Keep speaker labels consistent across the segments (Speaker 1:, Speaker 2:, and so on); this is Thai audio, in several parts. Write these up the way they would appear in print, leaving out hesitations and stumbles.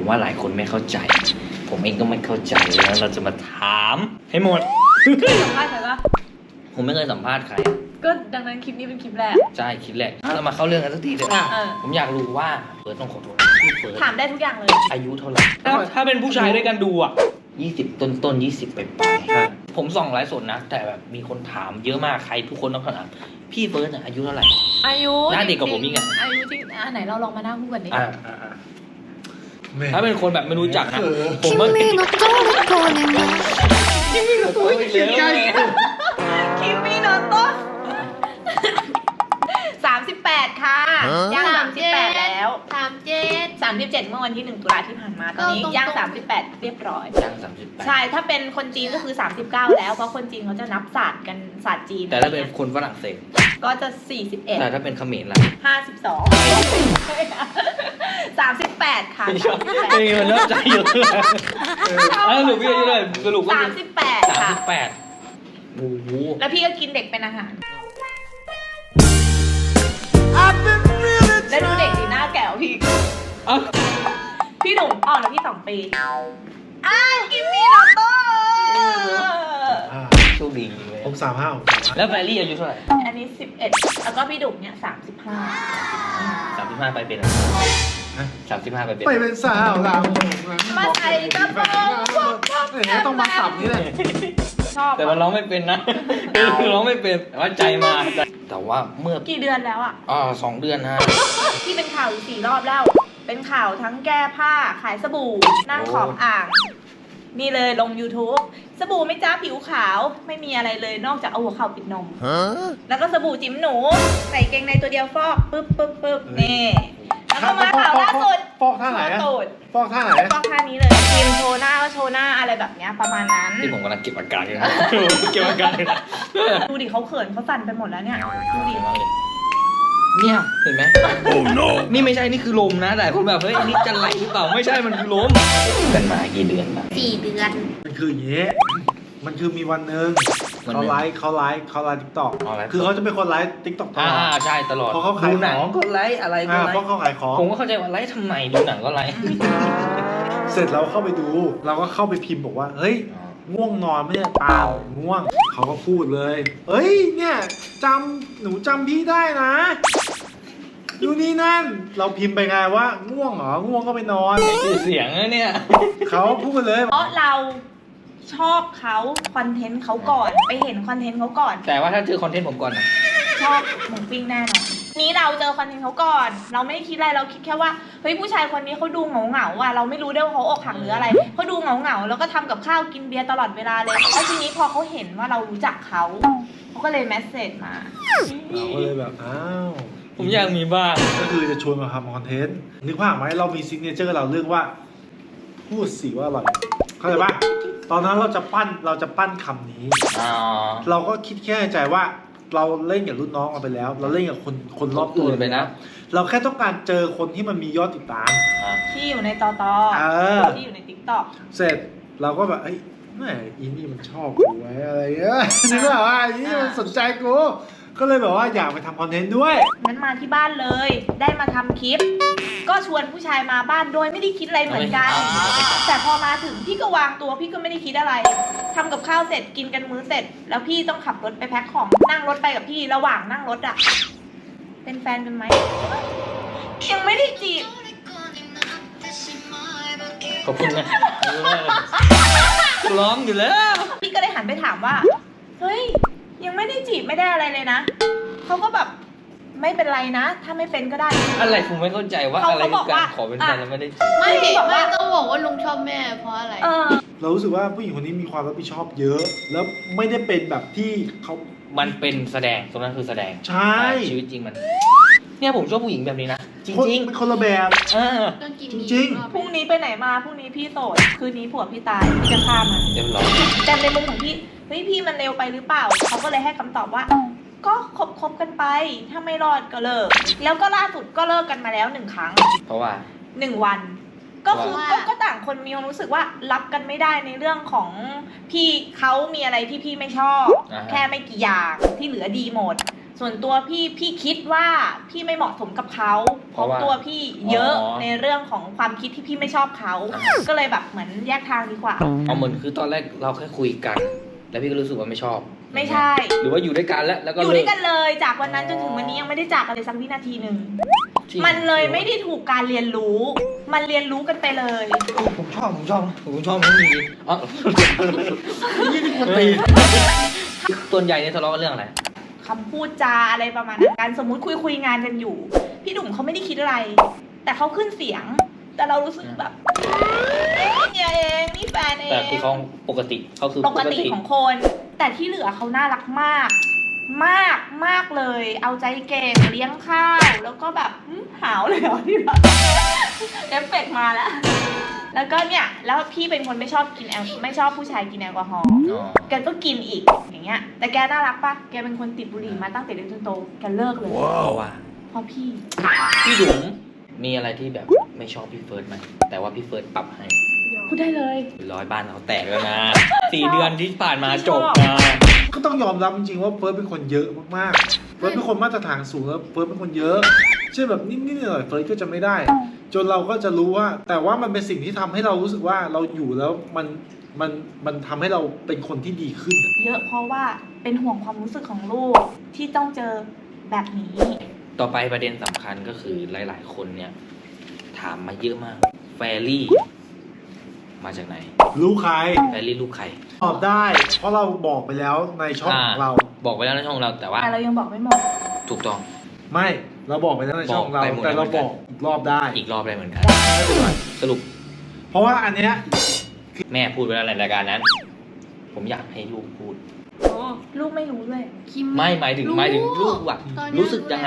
Speaker 1: ผมว่าหลายคนไม่เข้าใจผมเองก็ไม่เข้าใจแล้วเราจะมาถามให้หมด
Speaker 2: สัมภาษณ์ใครปะ
Speaker 1: ผมไม่เคยสัมภาษณ์ใคร
Speaker 2: ก็ดังนั้นคลิปนี้เป็นคลิปแรก
Speaker 1: ใช่คลิปแรกเรามาเข้าเรื่องกันสักทีเถอะผมอยากรู้ว่าเฟิร์สต้องขอโทษพี่เฟิร์ส
Speaker 2: ถามได้ทุกอย่างเลย
Speaker 1: อายุเท่าไหร่ถ้าเป็นผู้ชายด้วยกันดูอ่ะ20ต้น20ไปผมส่องไลฟ์สดนะแต่แบบมีคนถามเยอะมากใครทุกคนต้องถามพี่เฟิร์สอายุเท่าไหร่
Speaker 2: อายุ
Speaker 1: หน้าเด็กกว่าผมอีกอะ
Speaker 2: อายุจริงไหนเราลองมานั่งพูดกันดิ
Speaker 1: ถ้าเป็นคนแบบไม่รู้จักนะผมว่าคิมิโนโตะอีกแล้ว
Speaker 2: คิมมี่โนโตะ38 ค่ะย่าง38แล้ว37เมื่อวันที่1 ตุลาที่ผ่านมาตอนนี้ย่าง38เรียบร้อย
Speaker 1: ย่าง38
Speaker 2: ใช่ถ้าเป็นคนจีนก็คือ39แล้วเพราะคนจีนเขาจะนับศาสตร์กันศาสตร์จีน
Speaker 1: แต่ถ้าเป็นคนฝรั่งเศส
Speaker 2: ก็จะ41
Speaker 1: แต่ถ้าเป็นเขมรล่ะ
Speaker 2: 38ค่ะ
Speaker 1: เฮ้ยมันน่าใจเยอะเลยสรุปพี่อายุเท่าไหร่สรุปก็คือ
Speaker 2: 38ค่ะ
Speaker 1: โอ้โห
Speaker 2: แล้วพี่ก็กินเด็กเป็นอาหารแล้วดูเด็กดีหน้าแก่วพี่พี่หนุ่มอ่อนแล้วพี่2 ปีกิมมี่โนโต้
Speaker 1: โชคดีเลย
Speaker 3: ผม35
Speaker 1: แล้วแฟรี่อายุเท่าไหร่
Speaker 2: อันนี้11แล้วก็พี่ดุ่มเนี่ย
Speaker 1: 35ไปเป็น35ไปเป็น
Speaker 3: ไปเป็นสาวเรา
Speaker 2: มาใส่กระโปรง
Speaker 3: ต้องมาสับนี่แหละ
Speaker 2: ชอบ
Speaker 1: แต่มันร้องไม่เป็นนะร้องไม่เป็นแต่ว่าใจมาแต่ว่าเมื่อ
Speaker 2: กี่เดือนแล้วอ่ะ
Speaker 1: 2 เดือนนะ
Speaker 2: ที่เป็นข่าวอยู่4 รอบแล้ว เป็นข่าวทั้งแก้ผ้าขายสบู่นั่งขอบอ่าง นี่เลยลง YouTube สบู่ไม่จ้าผิวขาวไม่มีอะไรเลยนอกจากเอาหัวเข่าปิดนมแล้วก็สบู่จิ้มหนูใส่เกงในตัวเดียวฟอกปึ๊บนี่แล้วก็มาข่าวล่าสุด
Speaker 3: ฟอกท่าไหนอะ
Speaker 2: ตูด
Speaker 3: ฟอกท่าไหน
Speaker 2: ฟอกท่านี้เลยครีมโชว์หน้าก็โชว์หน้าอะไรแบบเนี้ยประมาณนั้น
Speaker 1: ที่ผมกำลังเก็บอาการอยู่นะเก็บอาการอยู่นะ
Speaker 2: ดูดิเขาเขินเขาสั่นไปหมดแล้วเนี่ยดูดิ
Speaker 1: เนี่ยเห็นไหม oh no นี่ไม่ใช่นี่คือลมนะแต่คุณแบบเฮ้ยนี่จะไรหรือเปล่าไม่ใช่มันคือลมกันมากี่เดือนนะ
Speaker 2: 4 เดือน
Speaker 3: มันคืออย่างนี้มันคือมีวันหนึ่งเขาไลฟ์ทิกตอกคือเขาจะเป็นคนไลฟ์ทิกตอกตลอด
Speaker 1: ใช่ตลอด
Speaker 3: เพราะเขาขาย
Speaker 1: ดูหนัง
Speaker 3: ของ
Speaker 1: ก็ไลฟ์อะไรก็ไล
Speaker 3: เพราะ
Speaker 1: ฟ์
Speaker 3: เขาขายของ
Speaker 1: ผมก็เข้าใจว่าไลฟ์ทำไมดูหนังก็ไลฟ์
Speaker 3: เสร็จเราเข้าไปดูเราก็เข้าไปพิมพ์บอกว่าเฮ้ยง่วงนอนไหมเนี่ยเปล่าง่วงเขาก็พูดเลยเฮ้ยเนี่ยหนูจำพี่ได้นะดูนี่นั่นเราพิมพ์ไปไงว่าง่วงเหรอง่วงก็ไปนอน
Speaker 1: คือเสียงนะเนี่ย
Speaker 3: เขาพูดเลย
Speaker 2: เพราะเราชอบเขาคอนเทนต์เขาก่อนไปเห็นคอนเทนต์เขาก่อน
Speaker 1: แต่ว่าถ้าเจอคอนเทนต์ผมก่อนนะ
Speaker 2: ชอบหมูปิ้งแน่นอนนี้เราเจอคอนเทนต์เขาก่อนเราไม่ได้คิดอะไรเราคิดแค่ว่าเฮ้ยผู้ชายคนนี้เขาดูเหงาอ่ะเราไม่รู้ด้วยว่าเขาอกหักหรืออะไรเขาดูเหงาแล้วก็ทำกับข้าวกินเบียร์ตลอดเวลาเลยแล้วทีนี้พอเขาเห็นว่าเรารู้จักเขาก็เลยแมสเซจมา
Speaker 3: เราก็เลยแบบอ้าว
Speaker 1: ผมอยากมีบ้าง
Speaker 3: ก็คือจะชวนมาทำคอนเทนต์นึกภาพไหมเรามีซิกเนเจอร์เราเรื่องว่าพูดสิว่าอร่อยเข้าใจปะตอนนั้นเราจะปั้นคำนี้ เราก็คิดแค่ในใจว่าเราเล่นกับรุ่นน้องมาไปแล้ว เราเล่นกับคนรอบตัวไปนะเราแค่ต้องการเจอคนที่มันมียอดติดตาม
Speaker 2: ที่อยู่ในตอที่อยู่ในติ๊กต็อก
Speaker 3: เสร็จเราก็แบบเอ้ยแม่อีนี่มันชอบกูไว้อะไรเงี้ยนึกว่าอีนี่มันสนใจกูก็เลยแบบว่าอยากไปทำคอนเทนต์ด้วย
Speaker 2: งั้นมาที่บ้านเลยได้มาทำคลิปก็ชวนผู้ชายมาบ้านโดยไม่ได้คิดอะไรเหมือนกันแต่พอมาถึงพี่ก็วางตัวพี่ก็ไม่ได้คิดอะไรทำกับข้าวเสร็จกินกันมื้อเสร็จแล้วพี่ต้องขับรถไปแพ็คของนั่งรถไปกับพี่ระหว่างนั่งรถอะเป็นแฟนกันไหมยังไม่ได้จีบ
Speaker 1: ขอบคุณนะร้องอยู่แล้ว
Speaker 2: พี่ก็เลยหันไปถามว่าเฮ้ยยังไม่ได้จีบไม่ได้อะไรเลยนะเขาก็แบบไม่เป็นไรนะถ้าไม่เป็นก็ได้
Speaker 1: อะไรผมไม่เข้าใจว่าอะไรคือการขอเป็นแฟนแล้วไม่ได้จีบ
Speaker 4: ไม่ต้องบอกว่าลุงชอบแม่เพราะอะไร
Speaker 3: เรารู้สึกว่าผู้หญิงคนนี้มีความรับผิดชอบเยอะแล้วไม่ได้เป็นแบบที่เขา
Speaker 1: มันเป็นแสดงตรงนั้นคือแสดง
Speaker 3: ใช่
Speaker 1: ชีวิตจริงมันเนี่ยผมชอบผู้หญิงแบบนี้นะจริง
Speaker 3: เป็นคนละแบบจริง
Speaker 2: พรุ่งนี้ไปไหนมาพรุ่งนี้พี่โสดคืนนี้ผัวพี่ตายพี่จะฆ่ามัน
Speaker 1: เรียบร้อย
Speaker 2: แต่ในมุมของพี่เฮ้ยพี่มันเร็วไปหรือเปล่าเขาก็เลยให้คำตอบว่าก็คบกันไปถ้าไม่รอดก็เลิกแล้วก็ล่าสุดก็เลิกกันมาแล้ว1 ครั้ง
Speaker 1: เพราะว่า
Speaker 2: 1 วันก็คือก็ต่างคนมีความรู้สึกว่ารับกันไม่ได้ในเรื่องของพี่เขามีอะไรที่พี่ไม่ชอบแค่ไม่กี่อย่างที่เหลือดีหมดส่วนตัวพี่คิดว่าพี่ไม่เหมาะสมกับเขาเพราะตัวพี่เยอะในเรื่องของความคิดที่พี่ไม่ชอบเขาก็เลยแบบเหมือนแยกทางดีกว่า
Speaker 1: เอาเหมือนคือตอนแรกเราแค่คุยกัน แล้วพี่ก็รู้สึกว่าไม่ชอบ
Speaker 2: ไม่ใช่
Speaker 1: หรือว่าอยู่ด้วยกันแล้วก็
Speaker 2: อยู่ด้วยกันเลยจากวันนั้นจนถึงวันนี้ยังไม่ได้จากกันเลยสักวินาทีหนึ่งมันเลยไม่ได้ถูกการเรียนรู้มันเรียนรู้กันไปเลย
Speaker 1: ผมชอบไม่มีอ๋อ
Speaker 3: ยี่นี่คนตี
Speaker 1: ส่วนใหญ่เนี่ยทะเลาะกันเรื่องอะไร
Speaker 2: คำพูดจาอะไรประมาณนั้นการสมมุติคุยงานกันอยู่พี่หนุ่มเขาไม่ได้คิดอะไรแต่เขาขึ้นเสียงแต่เรารู้สึกแบบเนี่ยเองนี่แฟนเอง
Speaker 1: แต่คือเขาปกติเขาคือ
Speaker 2: ปกติของคนแต่ที่เหลือเขาน่ารักมากมากเลยเอาใจเก่งเลี้ยงข้าวแล้วก็แบบหาวเลยเหรอที่แบบเอฟเฟกต์มาแล้วก็เนี่ยแล้วพี่เป็นคนไม่ชอบกินไม่ชอบผู้ชายกินแอลกอฮอล์แกก็กินอีกอย่างเงี้ยแต่แกน่ารักปะแกเป็นคนติดบุหรี่มาตั้งแต่เด็กจนโตแกเลิกเลยเพราะ
Speaker 1: พี่ดุ๋มมีอะไรที่แบบไม่ชอบพี่เฟิร์สไหมแต่ว่าพี่เฟิร์สปรับให้
Speaker 2: พูดได้เลย
Speaker 1: 100บ้านเขาแตกแล้วนะ4 เดือนที่ผ่านมาจบนะ
Speaker 3: ก็ต้องยอมรับจริงๆว่าเฟิร์สเป็นคนเยอะมากๆเฟิร์สเป็นคนมาตรฐานสูงแล้วเฟิร์สเป็นคนเยอะเช่นแบบนิดๆหน่อยๆเฟิร์สก็จะไม่ได้จนเราก็จะรู้ว่าแต่ว่ามันเป็นสิ่งที่ทำให้เรารู้สึกว่าเราอยู่แล้วมันทำให้เราเป็นคนที่ดีขึ้น
Speaker 2: เยอะเพราะว่าเป็นห่วงความรู้สึกของลูกที่ต้องเจอแบบนี้
Speaker 1: ต่อไปประเด็นสำคัญก็คือหลายๆคนเนี่ยถามมาเยอะมากแฟรี่มาจากไหน
Speaker 3: ลูกใคร
Speaker 1: แฟรี่ลูกใคร
Speaker 3: ตอบได้เพราะเราบอกไปแล้วในช่องของเรา
Speaker 1: บอกไปแล้วในช่องเราแต่ว่า
Speaker 2: เรายังบอกไม่หมด
Speaker 1: ถูกต้อง
Speaker 3: ไม่เราบอกไปแล้วในช่องเราแต่เราบอกอีกรอบได้
Speaker 1: อีกรอบได้เหมือนกันสรุป
Speaker 3: เพราะว่าอันเนี้ย
Speaker 1: แม่พูดไปแล้วในรายการนั้นผมอยากให้ลูกพูด
Speaker 2: ลูกไม่รู้ด้วย
Speaker 1: ไม่หมายถึงลูกอะรู้สึกยังไง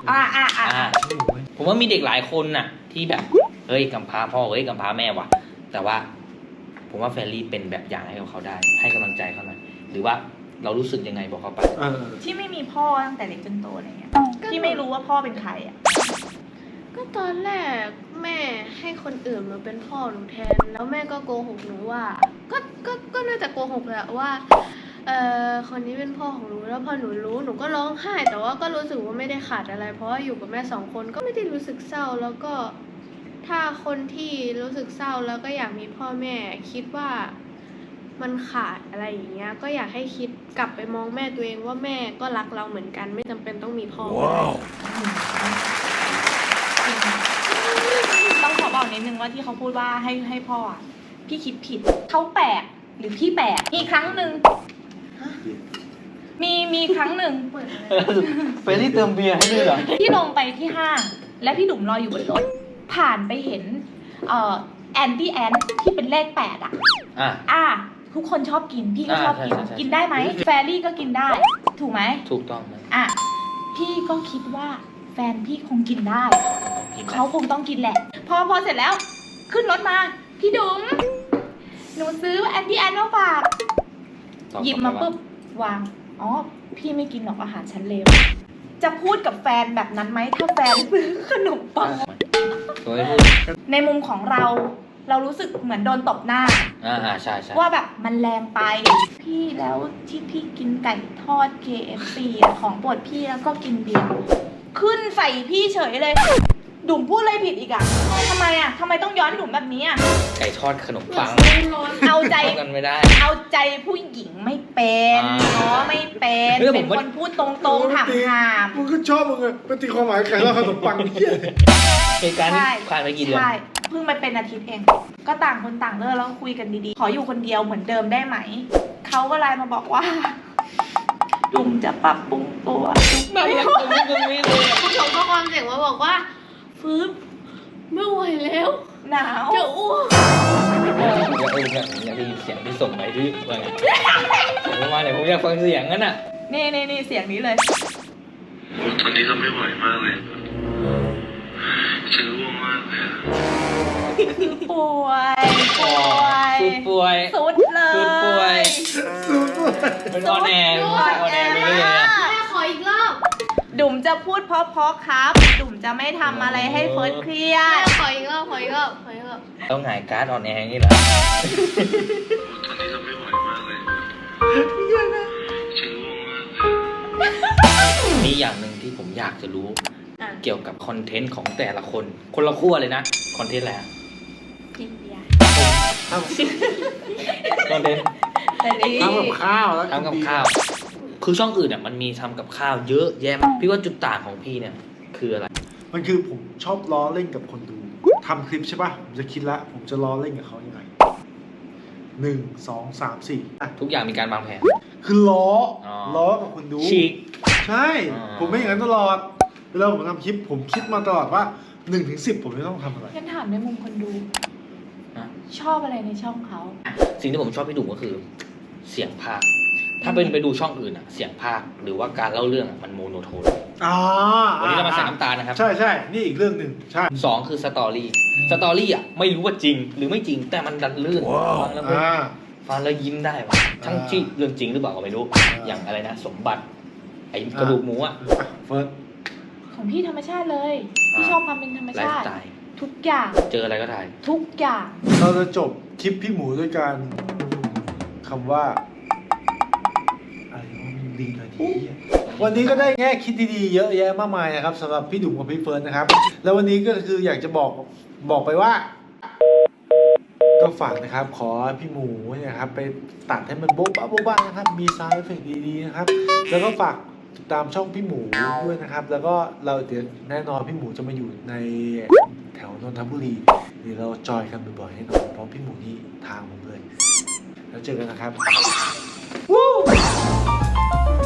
Speaker 1: ผมว่ามีเด็กหลายคนน่ะที่แบบเฮ้ยกำพร้าพ่อเฮ้ยกำพร้าแม่ว่ะแต่ว่าผมว่าแฟรรี่เป็นแบบอย่างให้กับเขาได้ให้กำลังใจเขาหน่อยหรือว่าเรารู้สึกยังไงบอกเขาไป
Speaker 2: ที่ไม่มีพ่อตั้งแต่เด็กจนโตอะไรเงี้ยที่ไม่รู้ว่าพ่อเป็นใครอ่ะ
Speaker 4: ก็ตอนแรกแม่ให้คนอื่นมาเป็นพ่อหนูแทนแล้วแม่ก็โกหกหนูว่าก็น่าจะโกหกแหละว่าคนนี้เป็นพ่อของหนูแล้วพอหนูรู้หนูก็ร้องไห้แต่ว่าก็รู้สึกว่าไม่ได้ขาดอะไรเพราะว่าอยู่กับแม่2 คนก็ไม่ได้รู้สึกเศร้าแล้วก็ถ้าคนที่รู้สึกเศร้าแล้วก็อยากมีพ่อแม่คิดว่ามันขาดอะไรอย่างเงี้ยก็อยากให้คิดกลับไปมองแม่ตัวเองว่าแม่ก็รักเราเหมือนกันไม่จำเป็นต้องมีพ่อ
Speaker 2: ต้องขอบอกนิดนึงว่าที่เขาพูดว่าให้พ่อพี่คิดผิดเขาแปลกหรือพี่แปลกมีครั้งหนึ่งมีครั้งหนึ่ง
Speaker 1: เฟรรี่เติมเบียร์ให้ด้วยเหรอ
Speaker 2: พี่ลงไปที่ห้างและพี่ดุ๋มรออยู่บนรถผ่านไปเห็นแอนตี้แอนที่เป็นเลข8ทุกคนชอบกินพี่ก็ชอบกินได้ไหมแฟรี่ก็กินได้ถูกไหม
Speaker 1: ถูกต้อง
Speaker 2: พี่ก็คิดว่าแฟนพี่คงกินได้เขาคงต้องกินแหละพอเสร็จแล้วขึ้นรถมาพี่ดุ๋มหนูซื้อแอนตี้แอนมาฝากหยิบมาปุ๊บวางพี่ไม่กินหรอกอาหารชั้นเลวจะพูดกับแฟนแบบนั้นไหมถ้าแฟนซื้อขนมปังในมุมของเรารู้สึกเหมือนโดนตบหน้า
Speaker 1: ใช่
Speaker 2: ว่าแบบมันแรงไปพี่แล้วที่พี่กินไก่ทอด KFC ของโปรดพี่แล้วก็กินเบียร์ขึ้นใส่พี่เฉยเลยดุ่มพูดอะไรผิดอีกทำไมต้องย้อนดุ่มแบบนี้
Speaker 1: ไก่ทอดขนมปัง
Speaker 2: เอาใจ
Speaker 1: กันไม่ได้
Speaker 2: เอาใจผู้หญิงไม่เป็นไม่เป็นคนพูดตรงๆถาม
Speaker 3: มึงก็ชอบมึงไงเป็นตีความหมายไก่ทอดขนมปัง
Speaker 1: เหตุการณ์นี้ผ่านไปกี่เดือน
Speaker 2: ใช่เพิ่งมาเป็นอาทิตย์เองก็ต่างคนต่างเลิกแล้วคุยกันดีๆขออยู่คนเดียวเหมือนเดิมได้ไหมเขาก็ไลน์มาบอกว่าดุ่มจะปรับปรุงตัว
Speaker 1: ไม่อยากจะไม่เลย
Speaker 4: ผู้ชมข้อความเสียงมาบอกว่าฟื้นไม่ไหวแล้ว
Speaker 2: หนาว
Speaker 4: จะอ้วก
Speaker 1: อยากได้ยินเสียงที่ส่งไปที่ว่าไงส่งมาเนี่ยผมอยากฟังเสียงนั้น
Speaker 2: นี่เสียงนี้เลย
Speaker 5: ตอนนี้เราไม่ไหวมากเลยฉันง่วงมากเลย
Speaker 2: ป่วยสุดเลย
Speaker 1: เป็นออนแอร์ไปเรื่อย
Speaker 4: แม่ขออีกรอบ
Speaker 2: ดุ่มจะพูดเพราะครับดุ่มจะไม่ทำอะไรให้เฟิร์สเครียด
Speaker 4: ขออีกรอบ
Speaker 1: ต้องหงายการ์ดออนแอร์นี่เหรอ
Speaker 5: ตอนนี้เราไม่ไหวมากเลยฉันง่วงมากเลย
Speaker 1: มีอย่างหนึ่งที่ผมอยากจะรู้
Speaker 2: อ่ะ
Speaker 1: เกี่ยวกับคอนเทนต์ของแต่ละคน คนละขั้วเลยนะ คอนเทนต์อะไรอะ
Speaker 2: กินเบียร์
Speaker 1: คอนเทนต์
Speaker 2: แต่นี่
Speaker 3: ทำกับข้าวแล้ว
Speaker 1: ทำกับข้าว คือช่องอื่นเนี่ยมันมีทำกับข้าวเยอะแยะมากพี่ว่าจุดต่างของพี่เนี่ยคืออะไร
Speaker 3: มันคือผมชอบล้อเล่นกับคนดูทำคลิปใช่ป่ะผมจะคิดละผมจะล้อเล่นกับเขายังไง1 2 3 4อ่ะ
Speaker 1: ทุกอย่างมีการวางแผน
Speaker 3: คือล้อ
Speaker 1: อ๋อ
Speaker 3: ล้อกับคนดู
Speaker 1: ฉีก
Speaker 3: ใช่
Speaker 1: อ๋อ
Speaker 3: ผมไม่อย่างนั้นตลอดเวลาผมทำคลิปผมคิดมาตลอดว่า1 ถึง 10ผมจะต้องทำอะไร
Speaker 2: ฉันถามในมุมคนดู
Speaker 1: นะ
Speaker 2: ชอบอะไรในช่องเขา
Speaker 1: สิ่งที่ผมชอบพี่ดุก็คือเสียงภาค ถ้าเป็นไปดูช่องอื่นอะเสียงภาคหรือว่าการเล่าเรื่องอะมันโมโนโทน
Speaker 3: อ่า
Speaker 1: วันนี้เรามาใส่น้ำตาลนะครับ
Speaker 3: ใช่ใช่นี่อีกเรื่องหนึ่งใช่
Speaker 1: สองคือสตอรี่ สตอรี่อะไม่รู้ว่าจริงหรือไม่จริงแต่มันดันลื่นฟังแล้วมัน
Speaker 3: อ่า
Speaker 1: ฟังแล้วยิ้มได้ว่ะทั้งที่เรื่องจริงหรือเปล่าก็ไม่รู้ อย่างอะไรนะ สมบัติไอ้กระดูกหมูอะ
Speaker 3: เฟิร์ส
Speaker 2: ของพี่ธรรมชาติเลยพี่ชอบความเป็นธรรม
Speaker 1: ไล
Speaker 2: ชา
Speaker 1: ฟ์
Speaker 2: ติ
Speaker 1: สไตล์
Speaker 2: ทุกอย่าง
Speaker 1: เจออะไรก็ถ่าย
Speaker 2: ทุกอย่าง
Speaker 3: เราจะจบคลิปพี่หมูด้วยการคำว่าอะไรวะมันดีหน่อยดีอ่ะวันนี้ก็ได้แง่คิดดีๆเยอะแยะมากมายนะครับสำหรับพี่ดุ๋มกับพี่เฟิร์นนะครับ แล้ววันนี้ก็คืออยากจะบอกไปว่า ก็ฝากนะครับ ขอพี่หมูเนี่ยครับไปตัดให้มันโบ๊ะบ้าโบ๊ะบ้านะครับ มีซาวด์เอฟเฟกต์ดีๆนะครับ แล้วก็ฝากติดตามช่องพี่หมูด้วยนะครับ แล้วก็เราเดี๋ยวแน่นอนพี่หมูจะมาอยู่ในแถวนนทบุรีเดี๋ยวเราจอยกันบ่อยๆให้นอนเพราะพี่หมูนี่ทางผมเลย แล้วเจอกันนะครับ